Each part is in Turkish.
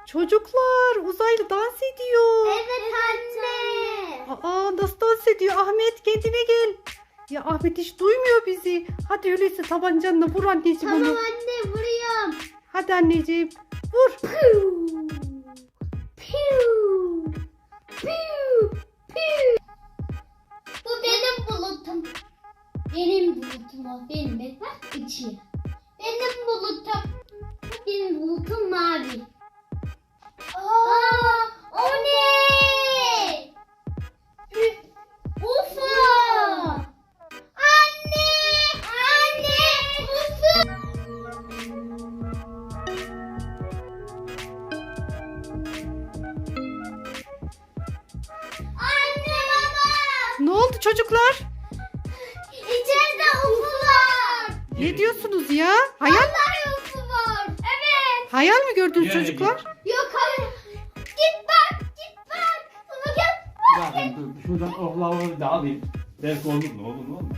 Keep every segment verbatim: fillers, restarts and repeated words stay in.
Çocuklar, uzaylı dans ediyor. Evet anne. Aa, nasıl dans ediyor? Ahmet, kendine gel. Ya Ahmet hiç duymuyor bizi. Hadi öyleyse tabancanla vur anneciğim Tamam onu. anne vuruyorum. Hadi anneciğim vur. Piu. Piu. Piu. Piu. Bu benim bulutum. Benim bulutum o. Benim bak bak içi. Benim bulutum. Benim bulutum mavi. Aa, o ne? U F O. Anne! Anne! U F O. Anne baba! Ne oldu çocuklar? İçeride U F O var. Ne diyorsunuz ya? Hayal, Vallahi U F O var. Evet. hayal mi gördünüz Yani- çocuklar? Yok hayır. Git bak, git bak. Baba gel. Bakın dur, şuradan oklavayı da alayım. Belki olur mu? Olur mu? Olmaz.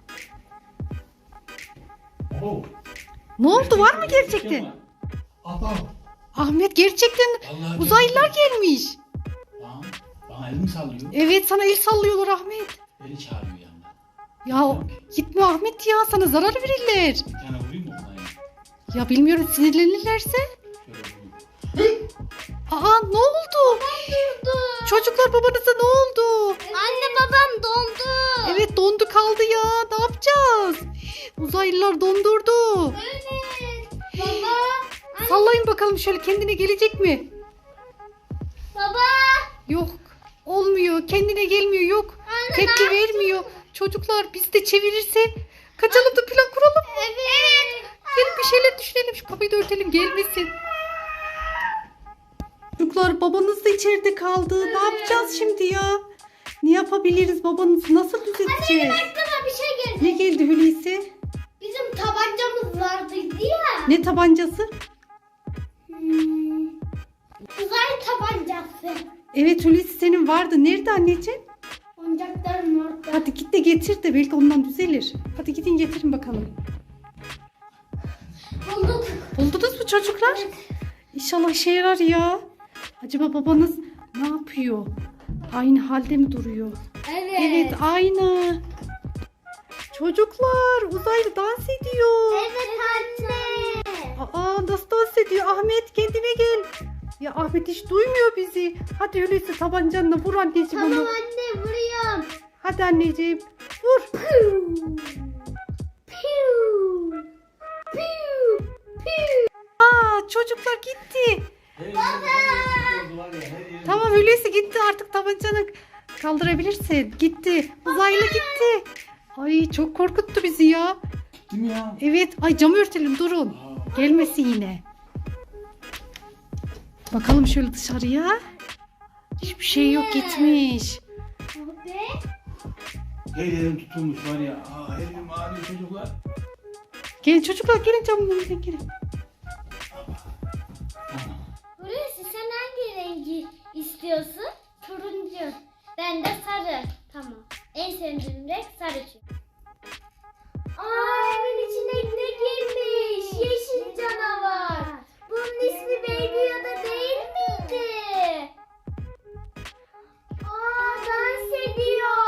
Oo. Ne oldu, var mı gerçekten? Aba. Ahmet, gerçekten Vallahi uzaylılar gelmiş. Bana, bana elimi sallıyor. Evet, sana el sallıyorlar Ahmet. Beni çağırıyor yanına. Ya gitme Ahmet ya, sana zarar verirler. Bir tane vurayım mı ona? Ya bilmiyorum, sinirlenirlerse. Şöyle vurayım. Aa, ne oldu? Çocuklar, babanıza ne oldu? Anne babam dondu. Evet, dondu kaldı ya. Ne yapacağız? Uzaylılar dondurdu. Evet. Baba. Sallayın bakalım, şöyle kendine gelecek mi? Baba. Yok. Olmuyor. Kendine gelmiyor. Yok. Anne, Tepki ne vermiyor. Çocuklar, biz de çevirirse kaçalım da plan kuralım. Evet. Gelin bir şeyler düşünelim. Şu kapıyı da örtelim, gelmesin. Çocuklar, babanız da içeride kaldı. Ne yapacağız şimdi ya? Ne yapabiliriz? Babanızı nasıl düzelteceğiz? Aklıma bir şey geldi. Ne geldi Hulusi? Bizim tabancamız vardı ya. Ne tabancası? Hmm. Uzay tabancası. Evet Hulusi, senin vardı. Nerede anneciğim? Oyuncakların orada. Hadi git de getir de belki ondan düzelir. Hadi gidin getirin bakalım. Bulduk. Buldunuz mu çocuklar? İnşallah işe yarar ya. Acaba babanız ne yapıyor? Aynı halde mi duruyor? Evet. Evet, aynı. Çocuklar, uzaylı dans ediyor. Evet anne. Aa, nasıl dans ediyor? Ahmet, kendine gel. Ya Ahmet hiç duymuyor bizi. Hadi öyleyse tabancanla vur anneciğim Tamam onu. anne vuruyorum. Hadi anneciğim vur. Piu. Piu. Piu. Piu. Aa, çocuklar gitti. Tamam, öyleyse gitti, artık tabancanı kaldırabilirsin. Gitti. Uzaylı gitti. Ay, çok korkuttu bizi ya. Değil mi ya? Evet. Ay, camı örtelim, durun. Gelmesin yine. Bakalım şöyle dışarıya. Hiçbir şey yok, gitmiş. Ve Her yerim tutulmuş var ya. Aa, her yerim ağrıyor çocuklar. Gelin çocuklar, gelin camın önüne gelin. Hulusi sen hangi rengi istiyorsun? Turuncu. Ben de sarı. Tamam. En sevdiğim renk sarı çünkü. Aa, evin içine ne girmiş? Yeşil canavar. Bunun ismi Baby Yoda değil miydi? Aa, dans ediyor.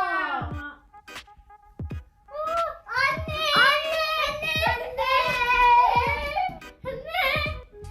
Aa, anne. Anne. Anne. Anne. Anne.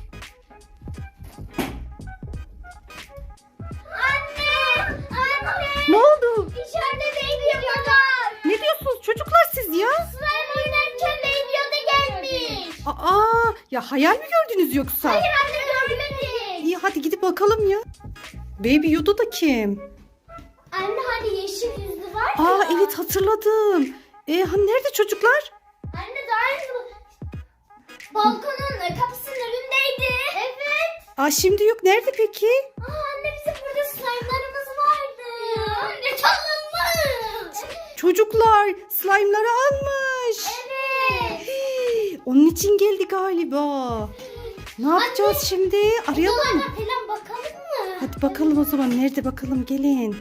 Anne! Anne! Ne oldu? İçeride Baby Yoda var. Ne diyorsunuz çocuklar siz ya? Slime oynarken Baby Yoda gelmiş. Aa, ya hayal mi gördünüz yoksa? Hayır anne görmedik. İyi, hadi gidip bakalım ya. Baby Yoda da kim? Anne hani yeşil yüzlü var ya. Aa, evet, hatırladım. E, hani nerede çocuklar? Anne daha önce balkonun kapısının önündeydi. Evet. Aa, şimdi yok. Nerede peki? Aa, anne bizim burada slime'larımız vardı. Anne çalınmış. Çocuklar slime'ları almış. Evet. Hii, onun için geldi galiba. Ne yapacağız şimdi? Arayalım mı? Odalarına falan bakalım mı? Hadi bakalım o zaman. Nerede bakalım, gelin.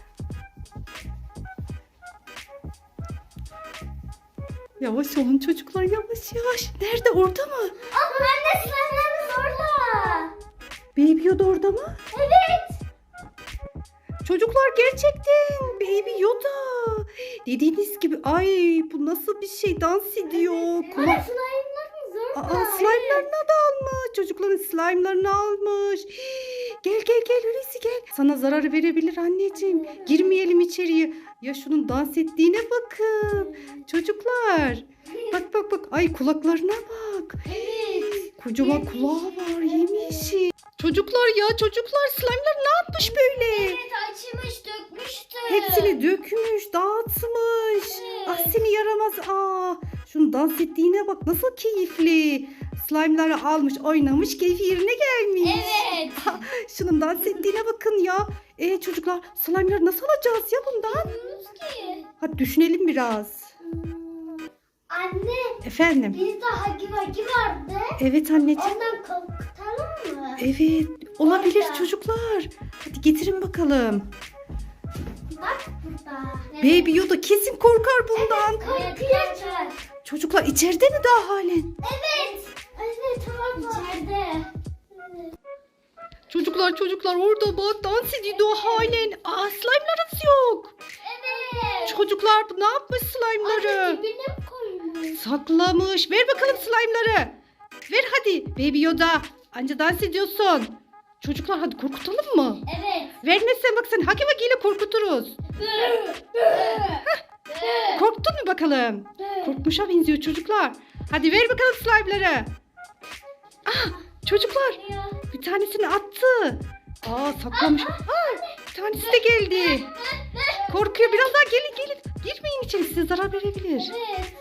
Yavaş olun çocuklar, yavaş yavaş. Nerede, orada mı? Aa, anne slime'larımız orada. Baby Yoda orada mı? Evet. Çocuklar gerçekten Baby Yoda. Dediğiniz gibi ay bu nasıl bir şey, dans ediyor. Ama Kulak... slime'larımız orada. Aa, slime'larını da almış. Çocukların slime'larını almış. Gel gel gel Hulusi gel. Sana zarar verebilir anneciğim. Girmeyelim içeriye. Ya şunun dans ettiğine bakın. Çocuklar. Bak bak bak. Ay kulaklarına bak. Evet. Kocaman kulağı var yemyeşil. Çocuklar ya çocuklar slime'lar ne yapmış böyle? Evet açmış dökmüştü. Hepsini dökmüş, dağıtmış. Evet. Ah seni yaramaz. Aa, şunun dans ettiğine bak nasıl keyifli. Slime'ları almış, oynamış, keyfi yerine gelmiş. Evet. Şunun dans ettiğine bakın ya. E çocuklar slime'ları nasıl alacağız ya bundan? Bilmiyoruz ki. Hadi düşünelim biraz. Hmm. Anne Efendim? bizde hagi vagi vardı. Evet anneciğim. Ondan korkutalım mı? Evet olabilir Orada. çocuklar. Hadi getirin bakalım. Bak burada. Baby Yoda kesin korkar bundan. Korkuyor. Çocuklar içeride mi daha halen? Evet. Evet tamam. İçeride. Evet. Çocuklar çocuklar orada bak dans ediyor halen. Aa slime'larınız yok. Evet. Çocuklar ne yapmış slime'ları? Anne dibine mi koymuş? Saklamış. Ver bakalım slime'ları. Ver hadi. Baby Yoda. Anca dans ediyorsun. Çocuklar hadi korkutalım mı? Evet. Vermezsen bak seni haki vakiyle korkuturuz. Korktun mu bakalım? Korkmuşa benziyor çocuklar. Hadi ver bakalım slime'ları. Ah çocuklar bir tanesini attı. Aa saklamış. Aa, bir tanesi de geldi. Korkuyor biraz daha gelin gelin. Girmeyin içeri size zarar verebilir. Evet.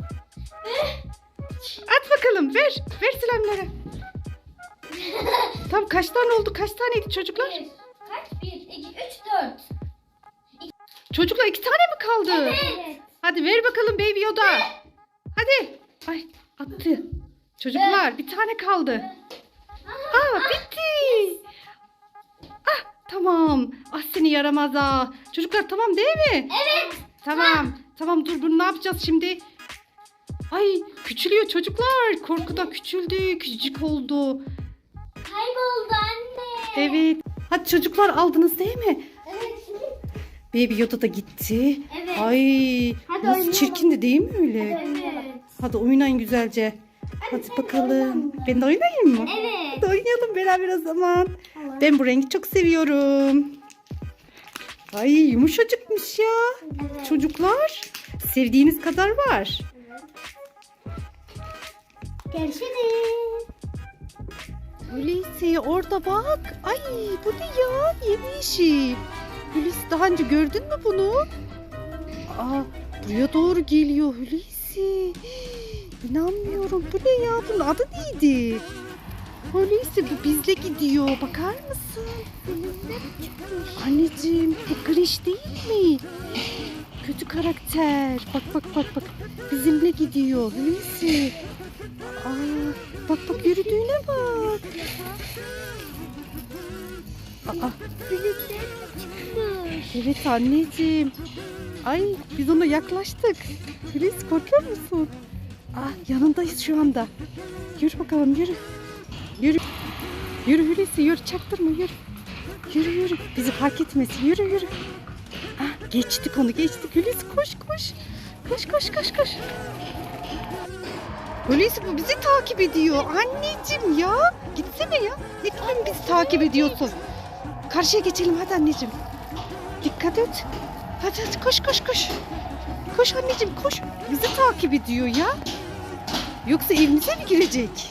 At bakalım ver. Ver slime'ları. Tam kaç tane oldu? Kaç taneydi çocuklar? Bir. Kaç? Bir, iki, üç, dört. Çocuklar iki tane mi kaldı? Evet. Hadi ver bakalım Baby Yoda. Hadi. Ay attı. Çocuklar bir tane kaldı. Aa bitti. Ah tamam. Ah seni yaramaz ha. Çocuklar tamam değil mi? Evet. Tamam. Tamam dur bunu ne yapacağız şimdi? Ay küçülüyor çocuklar. Korkudan küçüldü. Küçücük oldu. Kayboldu anne. Evet. Hadi çocuklar aldınız değil mi? Evet. Baby Yoda da gitti. Evet. Ay Hadi nasıl oynayalım. çirkindi değil mi öyle? Evet. Hadi oynayın güzelce. Hadi bakalım. Ben de oynayayım mı? Evet. Hadi oynayalım beraber o zaman. Ben bu rengi çok seviyorum. Ay yumuşacıkmış ya. Evet. Çocuklar sevdiğiniz kadar var. Görüşürüz. Hulusi orada bak. Ay bu ne ya? Yemyeşil. Hulusi daha önce gördün mü bunu? Aa buraya doğru geliyor Hulusi. İnanmıyorum. Bu ne ya? Bunun adı neydi? Hulusi bu bizle gidiyor. Bakar mısın? Anneciğim bu Grinch değil mi? Kötü karakter. Bak bak bak bak. Bizimle gidiyor Hulusi. Aa, bak bak yürüdüğüne bak. Aa, evet anneciğim. Ay biz ona yaklaştık. Hulusi korkuyor musun? Ah yanındayız şu anda. Yürü bakalım yürü. Yürü. Yürü Hulusi yürü çaktırma yürü. Yürü yürü bizi fark etmesin yürü yürü. Ah geçtik onu geçtik Hulusi koş koş. Koş koş koş koş. Hulusi bu bizi takip ediyor. Anneciğim ya. Gitsene ya. Ne kadar bizi takip ediyorsun. Karşıya geçelim hadi anneciğim. Dikkat et. Hadi hadi koş koş koş. Koş anneciğim koş. Bizi takip ediyor ya. Yoksa evimize mi girecek?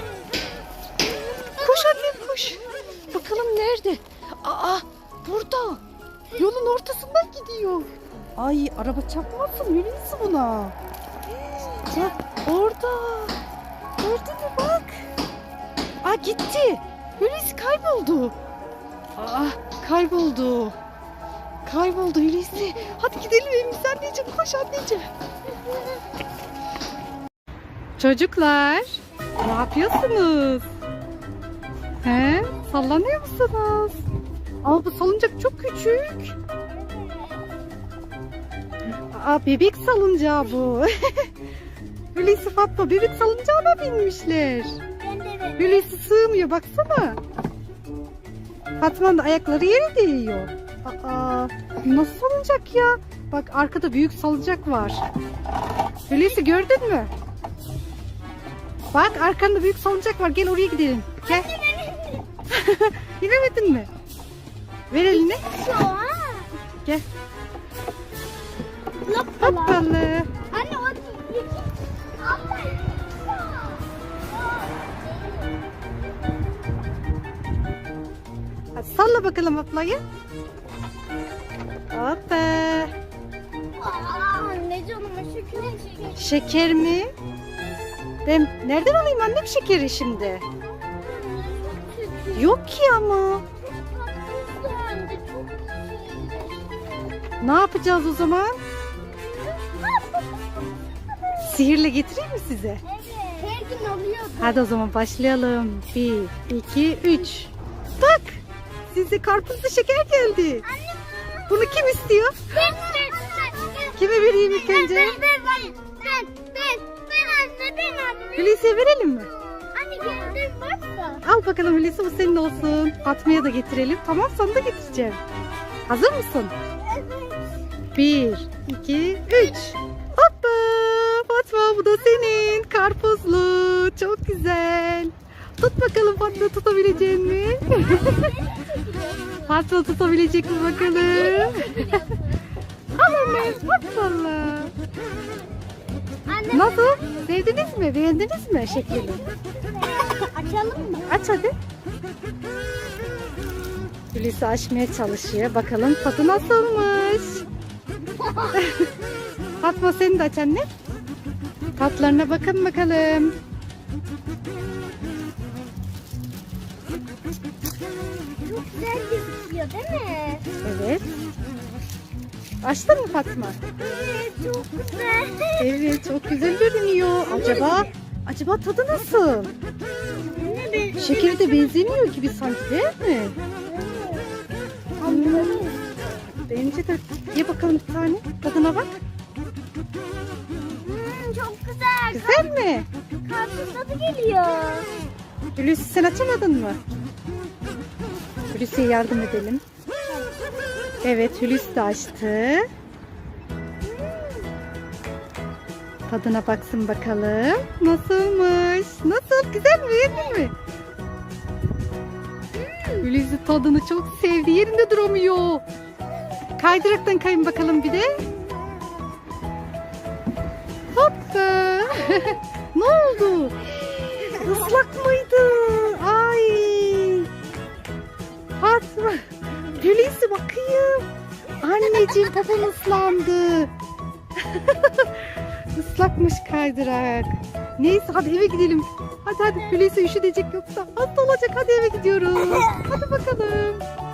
Koş annem koş. Bakalım nerede? Aa burada. Yolun ortasından gidiyor. Ay araba çarpmasın Hulusi buna. Bak orada. Gördün mü bak. Aa gitti. Hulusi kayboldu. Aa kayboldu. Kayboldu Hulusi. Hadi gidelim evimize anneciğim. Koş anneciğim. Çocuklar ne yapıyorsunuz? He? Sallanıyor musunuz? Ama bu salıncak çok küçük. Aa bebek salıncağı bu. Hulusi Fatma bebek salıncağına binmişler. Ben de evet. Hulusi sığmıyor baksana. Fatma'nın da ayakları yere değiyor. Aa, nasıl salıncak ya? Bak arkada büyük salıncak var. Hulusi gördün mü? Bak arkanda büyük salıncak var. Gel oraya gidelim. Gel. İnemedin mi? Ver elini. Şu an. Gel. Hoppala. Hoppalı. Anne o değil. Abla. Hadi salla bakalım ablayı. Hoppa. Aa, ne canıma şeker şeker. Şeker mi? Ben nereden alayım annem şekeri şimdi? Yok ki ama. Ne yapacağız o zaman? Sihirle getireyim mi size? Evet. Her gün alıyordu. Hadi o zaman başlayalım. Bir, iki, üç. Bak! Size karpuzlu şeker geldi. Bunu kim istiyor? Ben, ben, ben. Kime vereyim ilk önce? Ben, ben, ben, ben, ben, ben anne, ben anne. Hulusi'ye verelim mi? Anne geldim varsa. Al bakalım Hulusi, bu senin olsun. Fatma'ya da getirelim. Tamam, sana da getireceğim. Hazır mısın? Bir, iki, üç. Hoppa! Fatma, bu da senin. Karpuzlu. Çok güzel. Tut bakalım Fatma, tutabilecek mi? Fatma tutabilecek mi bakalım? Al Ömer, bak valla. Anne. Nasıl? Sevdiniz mi? Beğendiniz mi şeklini? Açalım mı? Aç hadi. Hulusi açmaya çalışıyor. Bakalım tadı nasılmış? Fatma, seni de aç anne. Tatlarına bakın bakalım. Çok güzel gözüküyor değil mi? Evet. Açtın mı Fatma? Evet çok güzel. Evet, çok güzel görünüyor. Acaba acaba tadı nasıl? Anne ben. Şekeri de benzemiyor gibi sanki, değil mi? Hmm, bence de. Ye bakalım bir tane. Tadına bak. Hmm, çok güzel. Güzel mi? Karpuz tadı geliyor. Hulusi, sen açamadın mı? Hulusi'ye yardım edelim. Evet, Hulusi de açtı. Tadına baksın bakalım. Nasılmış? Nasıl? Güzel mi? Beğendin mi? Hulusi tadını çok sevdi. Yerinde duramıyor. Kaydıraktan kayın bakalım bir de. Hoppa. Ne oldu? Islak mıydı? Ay. Fatma. Hulusi bakayım. Anneciğim, popom ıslandı. Islakmış kaydırak. Neyse, hadi eve gidelim. Hadi hadi, Hulusi üşüdecek yoksa hasta olacak. Hadi eve gidiyoruz. Hadi bakalım.